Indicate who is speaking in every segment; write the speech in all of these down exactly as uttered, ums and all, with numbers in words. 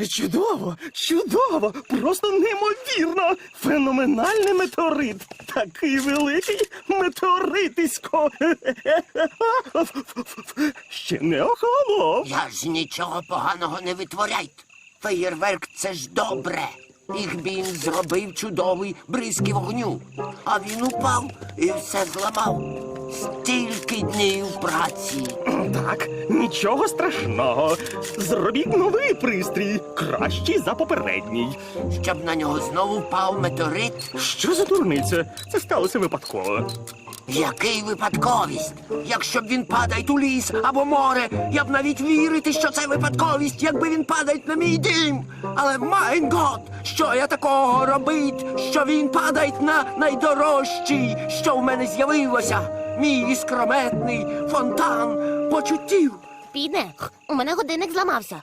Speaker 1: Чудово, чудово, просто неймовірно. Феноменальний метеорит. Такий великий метеоритисько. Ще не охолонув.
Speaker 2: Я ж нічого поганого не витворяйте. Феєрверк – це ж добре. Їх він зробив чудовий бризки вогню. А він упав і все зламав. Стільки днів праці.
Speaker 1: Так, нічого страшного. Зробіть новий пристрій, кращий за попередній.
Speaker 2: Щоб на нього знову впав метеорит.
Speaker 1: Що за дурниця? Це сталося випадково.
Speaker 2: Який випадковість? Якщо б він падає у ліс або море, я б навіть вірити, що це випадковість, якби він падає на мій дім. Але, майн гот, що я такого робить, що він падає на найдорожчий, що в мене з'явилося? Мій іскрометний фонтан почуттів.
Speaker 3: Піде, у мене годинник зламався.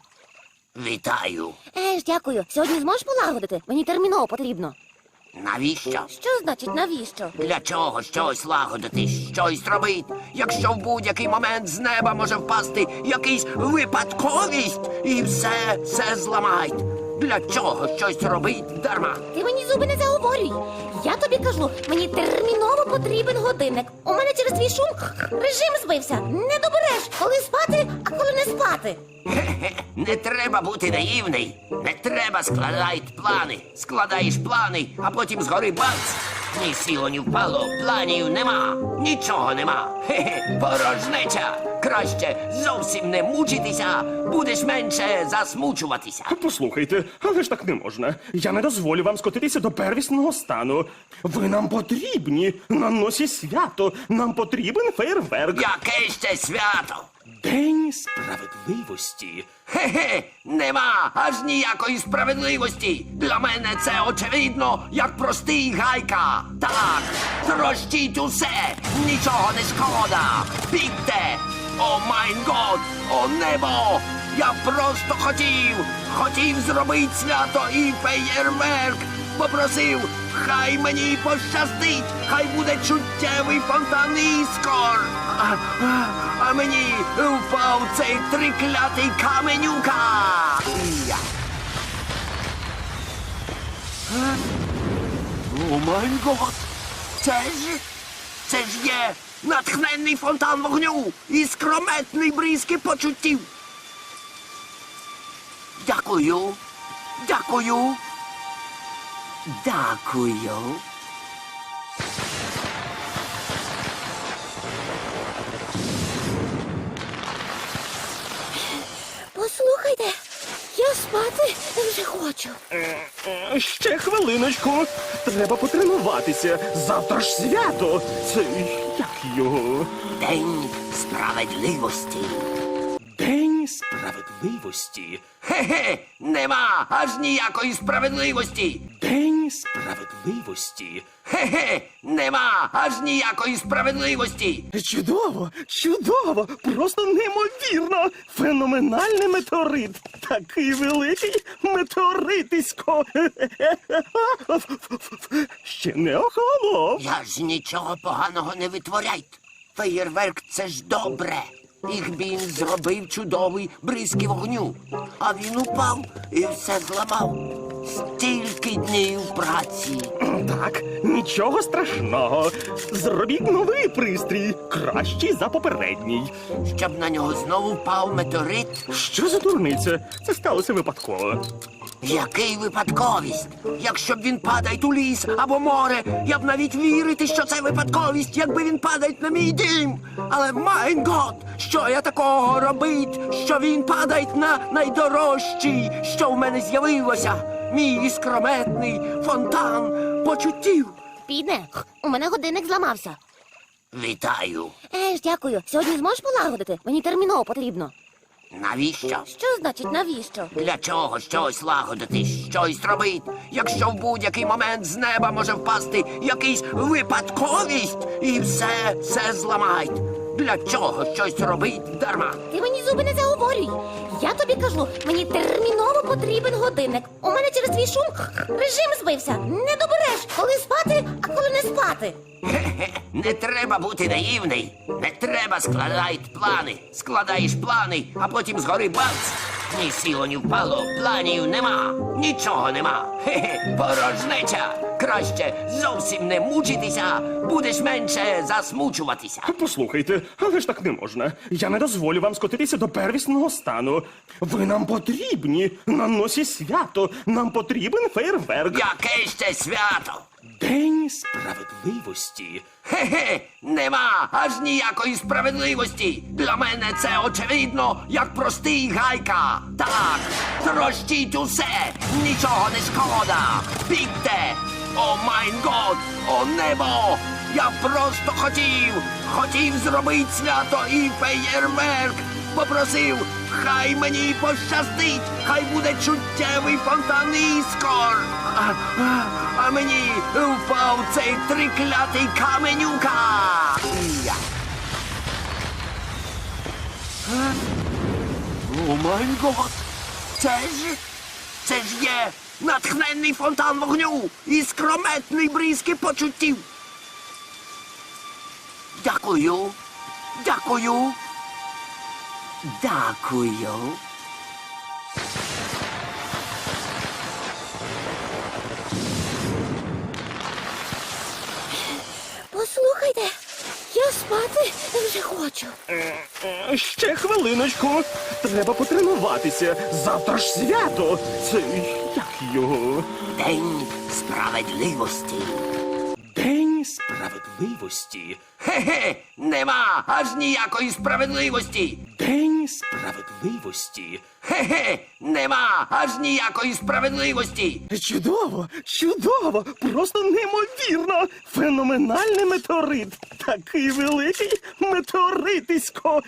Speaker 2: Вітаю.
Speaker 3: Е ж, дякую. Сьогодні зможеш полагодити? Мені терміново потрібно.
Speaker 2: Навіщо?
Speaker 3: Що значить навіщо?
Speaker 2: Для чого щось лагодити, щось робити, якщо в будь-який момент з неба може впасти якийсь випадковість і все, все зламають? Для чого щось робить дарма?
Speaker 3: Ти мені зуби не заговорюй. Я тобі кажу, мені терміново потрібен годинник. У мене через твій шум режим збився. Не добереш, коли спати, а коли не спати.
Speaker 2: Хе-хе, не треба бути наївний. Не треба складати плани. Складаєш плани, а потім згори бац. Ні сіло, ні впало, планів нема. Нічого нема. Хе-хе, порожнеча. Краще зовсім не мучитися, будеш менше засмучуватися.
Speaker 1: Послухайте, але ж так не можна. Я не дозволю вам скотитися до первісного стану. Ви нам потрібні. На носі свято. Нам потрібен фейерверк.
Speaker 2: Яке ще свято?
Speaker 1: День справедливості.
Speaker 2: Хе-хе, нема аж ніякої справедливості. Для мене це очевидно, як простий гайка. Так, трощіть усе, нічого не шкода. Бігте! О майн год, о небо! Я просто хотів, хотів зробити свято і феєрверк. Попросив, хай мені пощастить, хай буде чуттєвий фонтан іскор. А, а, а мені впав цей триклятий каменюка. Я. Е? О май гот! Це ж, це ж є натхненний фонтан вогню і скрометний бризки почуттів. Дякую, дякую, дякую.
Speaker 3: Послухайте, я спати вже хочу.
Speaker 1: Е, Ще хвилиночку. Треба потренуватися. Завтра ж свято. Це як його?
Speaker 2: День справедливості.
Speaker 1: День справедливості.
Speaker 2: Хе-хе, нема аж ніякої справедливості.
Speaker 1: День справедливості.
Speaker 2: Хе-хе, нема аж ніякої справедливості.
Speaker 1: Чудово, чудово, просто неймовірно. Феноменальний метеорит. Такий великий метеоритисько. Ще не охолонув.
Speaker 2: Я ж нічого поганого не витворяйте. Феєрверк – це ж добре. Їх він зробив чудовий бризки вогню. А він упав і все зламав. Стільки днів праці.
Speaker 1: Так, нічого страшного. Зробіть новий пристрій, кращий за попередній.
Speaker 2: Щоб на нього знову впав метеорит.
Speaker 1: Що за дурниця? Це сталося випадково.
Speaker 2: Який випадковість? Якщо б він падає у ліс або море, я б навіть вірити, що це випадковість, якби він падає на мій дім. Але, майн гот, що я такого робить, що він падає на найдорожчий, що в мене з'явилося? Мій іскрометний фонтан почуттів.
Speaker 3: Піде, у мене годинник зламався.
Speaker 2: Вітаю.
Speaker 3: Е ж, дякую. Сьогодні зможеш полагодити? Мені терміново потрібно.
Speaker 2: Навіщо?
Speaker 3: Що значить навіщо?
Speaker 2: Для чого щось лагодити, щось робити, якщо в будь-який момент з неба може впасти якийсь випадковість і все, все зламають? Для чого щось робить дарма?
Speaker 3: Ти мені зуби не заговорюй. Я тобі кажу, мені терміново потрібен годинник. У мене через твій шум режим збився. Не добереш, коли спати, а коли не спати.
Speaker 2: Хе-хе, не треба бути наївний. Не треба складати плани. Складаєш плани, а потім згори бац. Ні сіло, ні впало, планів нема, нічого нема. Хе-хе, порожнеча. Краще зовсім не мучитися, будеш менше засмучуватися.
Speaker 1: Послухайте, але ж так не можна. Я не дозволю вам скотитися до первісного стану. Ви нам потрібні на носі свято. Нам потрібен фейерверк.
Speaker 2: Яке ще свято?
Speaker 1: День справедливості.
Speaker 2: Хе-хе, нема аж ніякої справедливості. Для мене це очевидно, як простий гайка. Так, трощіть усе, нічого не шкода. Бігте! О майн год, о небо! Я просто хотів, хотів зробити свято і феєрверк. Попросив, хай мені пощастить, хай буде чуттєвий фонтан іскор. А, а, а мені впав цей триклятий каменюка. Я. Е? О май гот! Це ж, це ж є натхненний фонтан вогню і скрометний бризки почуттів. Дякую, дякую. Дякую.
Speaker 3: Послухайте, я спати вже хочу.
Speaker 1: Е, е, Ще хвилиночку. Треба потренуватися. Завтра ж свято. Це як його?
Speaker 2: День справедливості.
Speaker 1: День справедливості.
Speaker 2: Хе-хе, нема аж ніякої справедливості.
Speaker 1: День справедливості.
Speaker 2: Хе-хе, нема аж ніякої справедливості.
Speaker 1: Чудово, чудово, просто неймовірно. Феноменальний метеорит. Такий великий метеоритисько.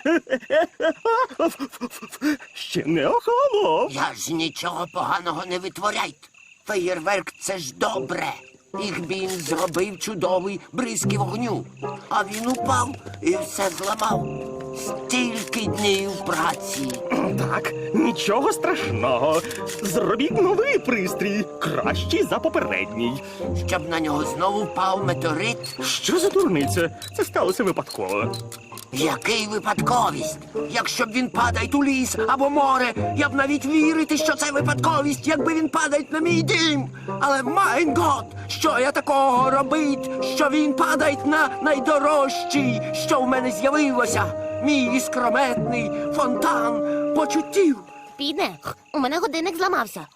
Speaker 1: Ще не охолонув.
Speaker 2: Я ж нічого поганого не витворяйте. Феєрверк — це ж добре. Їх він зробив чудовий бризки вогню. А він упав і все зламав. Стільки днів праці.
Speaker 1: Так, нічого страшного. Зробіть новий пристрій, кращий за попередній.
Speaker 2: Щоб на нього знову впав метеорит.
Speaker 1: Що за дурниця? Це сталося випадково.
Speaker 2: Який випадковість? Якщо б він падає у ліс або море, я б навіть вірити, що це випадковість, якби він падає на мій дім. Але майн гот, що я такого робить, що він падає на найдорожчий, що в мене з'явилося, мій іскрометний фонтан почуттів.
Speaker 3: Піде, у мене годинник зламався.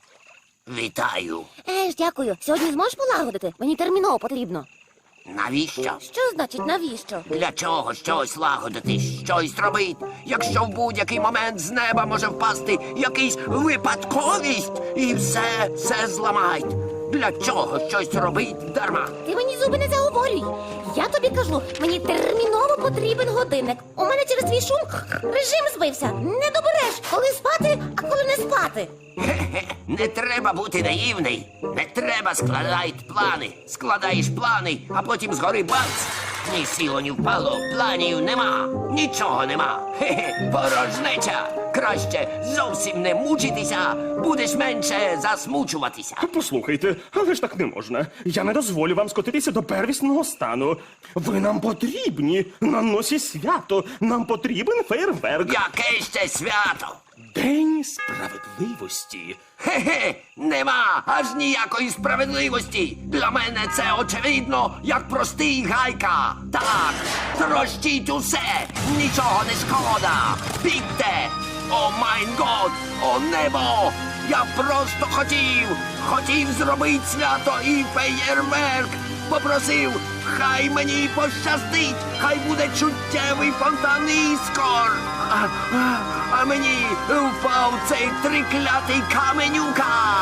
Speaker 2: Вітаю.
Speaker 3: Еж, дякую. Сьогодні зможеш полагодити? Мені терміново потрібно.
Speaker 2: Навіщо?
Speaker 3: Що значить навіщо?
Speaker 2: Для чого щось лагодити, щось робити, якщо в будь-який момент з неба може впасти якийсь випадковість і все, все зламають. Для чого щось робить дарма?
Speaker 3: Ти мені зуби не заговорюй. Я тобі кажу, мені терміново потрібен годинник. У мене через твій шум режим збився. Не добереш, коли спати, а коли не спати.
Speaker 2: Хе-хе, не треба бути наївний. Не треба складати плани. Складаєш плани, а потім згори бац. Ні сіло, ні впало, планів нема, нічого нема. Хе-хе, порожнеча. Краще зовсім не мучитися, будеш менше засмучуватися.
Speaker 1: Послухайте, але ж так не можна. Я не дозволю вам скотитися до первісного стану. Ви нам потрібні на носі свято. Нам потрібен фейерверк.
Speaker 2: Яке ще свято?
Speaker 1: День справедливості.
Speaker 2: Хе-хе, нема аж ніякої справедливості. Для мене це очевидно, як простий гайка. Так, трощіть усе, нічого не шкода. Бігте! О майн год, о небо! Я просто хотів, хотів зробити свято і феєрверк. Попросив, хай мені пощастить, хай буде чуттєвий фонтан іскор. А, а, а мені впав цей триклятий каменюка.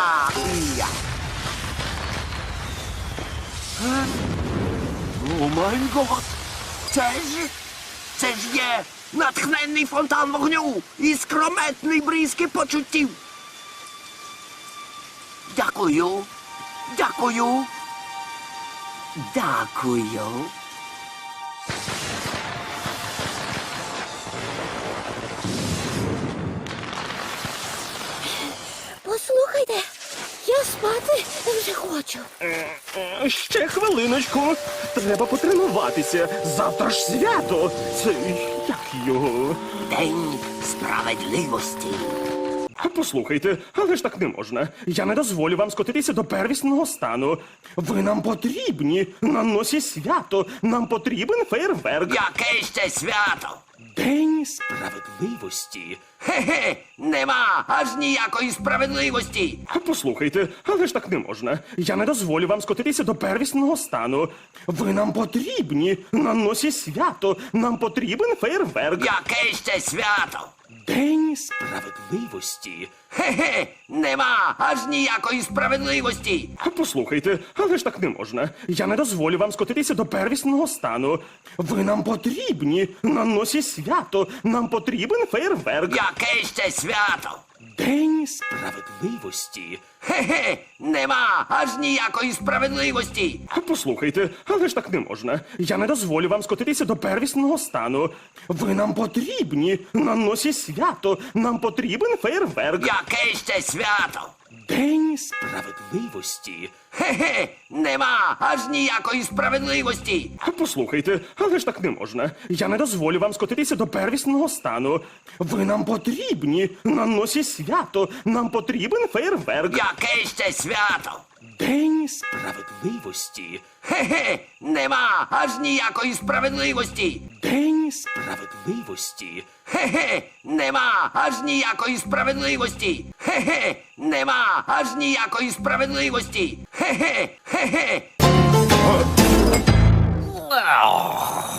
Speaker 2: Я. Е? О май гот! Це ж, це ж є натхненний фонтан вогню і скрометний бризки почуттів. Дякую, дякую, дякую.
Speaker 3: Послухайте, я спати вже хочу.
Speaker 1: Е, е, Ще хвилиночку. Треба потренуватися. Завтра ж свято. Це як його?
Speaker 2: День справедливості.
Speaker 1: Послухайте, але ж так не можна. Я не дозволю вам скотитися до первісного стану. Ви нам потрібні на носі свято. Нам потрібен фейерверк.
Speaker 2: Яке ще свято?
Speaker 1: День справедливості.
Speaker 2: Хе-хе, нема аж ніякої справедливості.
Speaker 1: Послухайте, але ж так не можна. Я не дозволю вам скотитися до первісного стану. Ви нам потрібні на носі свято. Нам потрібен фейерверк.
Speaker 2: Яке ще свято?
Speaker 1: День справедливості.
Speaker 2: Хе-хе, нема аж ніякої справедливості.
Speaker 1: Послухайте, але ж так не можна. Я не дозволю вам скотитися до первісного стану. Ви нам потрібні на носі свято. Нам потрібен фейерверк.
Speaker 2: Яке ще свято?
Speaker 1: День справедливості.
Speaker 2: Хе-хе, нема аж ніякої справедливості.
Speaker 1: Послухайте, але ж так не можна. Я не дозволю вам скотитися до первісного стану. Ви нам потрібні на носі свято. Нам потрібен фейерверк.
Speaker 2: Яке ще свято?
Speaker 1: День справедливості.
Speaker 2: Хе-хе, нема аж ніякої справедливості.
Speaker 1: Послухайте, але ж так не можна. Я не дозволю вам скотитися до первісного стану. Ви нам потрібні на носі свято. Нам потрібен фейерверк.
Speaker 2: Яке ще свято?
Speaker 1: День справедливості.
Speaker 2: Хе-хе, нема аж ніякої справедливості.
Speaker 1: День справедливості.
Speaker 2: Хе-хе, нема аж ніякої справедливості. Хе-хе, нема аж ніякої справедливості. Хе-хе, хе-хе.